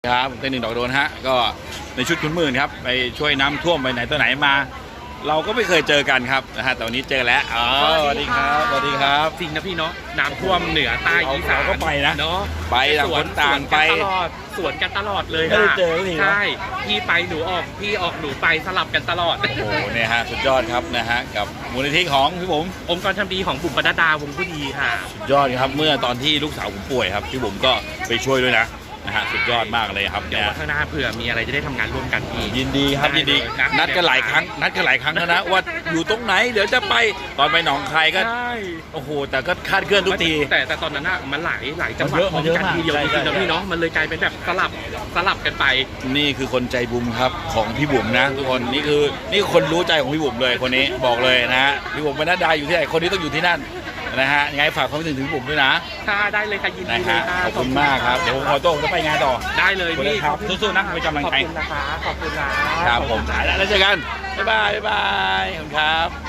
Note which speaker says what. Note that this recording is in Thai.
Speaker 1: ครับผมเต้นหนึ่งดอกโดนฮะก็ในชุดขุนหมื่นครับไปช่วยน้ำท่วมไปไหนตัวไหนมา เราก็ไม่เคยเจอกันครับนะฮะแต่วันนี้เจอแล้วสวัสดีครับสวัสดีครับ
Speaker 2: จริงนะพี่เนาะน้ำท่วมเหนือใต้อีสาน
Speaker 1: ก็ไปนะ
Speaker 2: เนาะ
Speaker 1: ไปต่างคนต่างไป
Speaker 2: สวนกันตลอดเลย
Speaker 1: ไม่ได้เจอเลย
Speaker 2: ใช่พี่ไปหนูออกพี่ออกหนูไปสลับกันตลอด
Speaker 1: โอ้โหเนี่ยฮะสุดยอดครับนะฮะกับมูลนิธิของพี่ผม
Speaker 2: องค์กรทำดีของบุ๋มปนัดดาวงผู้ดีค่ะ
Speaker 1: สุดยอดครับเมื่อตอนที่ลูกสาวผมป่วยครับพี่ผมก็ไปช่วยด้วยนะฮะสุดยอดมากเลยครับ
Speaker 2: เดี๋ยววันข้างหน้าเผื่อมีอะไรจะได้ทำงานร่วมกันพี่
Speaker 1: ยินดีครับยินดีนัดกันหลายครั้งแล้วนะว่าอยู่ตรงไหนเดี๋ยวจะไปตอนไปหนองคายก็โอ้โหแต่ก็คาดเคลื่อนทุกที
Speaker 2: แต่ตอนนั้นมันหลายจังหวัดพร้อมกันทีเดียวจริงๆนะพี่เนาะมันเลยกลายเป็นแบบสลับกันไป
Speaker 1: นี่คือคนใจบุญครับของพี่บุ๋มนะทุกคนนี่คือคนรู้ใจของพี่บุ๋มเลยคนนี้บอกเลยนะฮะพี่บุ๋มปนัดดาอยู่ที่ไหนคนนี้ต้องอยู่ที่นั่นนะฮะยังไงฝากความถึงบุ๋มด้วยนะ
Speaker 2: ค่ะได้เลยค่ะยินดีเลยค่ะ
Speaker 1: ขอบคุณมากครับเดี๋ยวผมขอตัวจะไปงานต่อ
Speaker 2: ได้เลยพี่
Speaker 1: ครับสู้ๆนะไปกำลังใจ
Speaker 2: ขอบคุณนะคะขอบคุณนะครับ
Speaker 1: ผมแล้วเจอกันบ๊ายบายขอบคุณครับ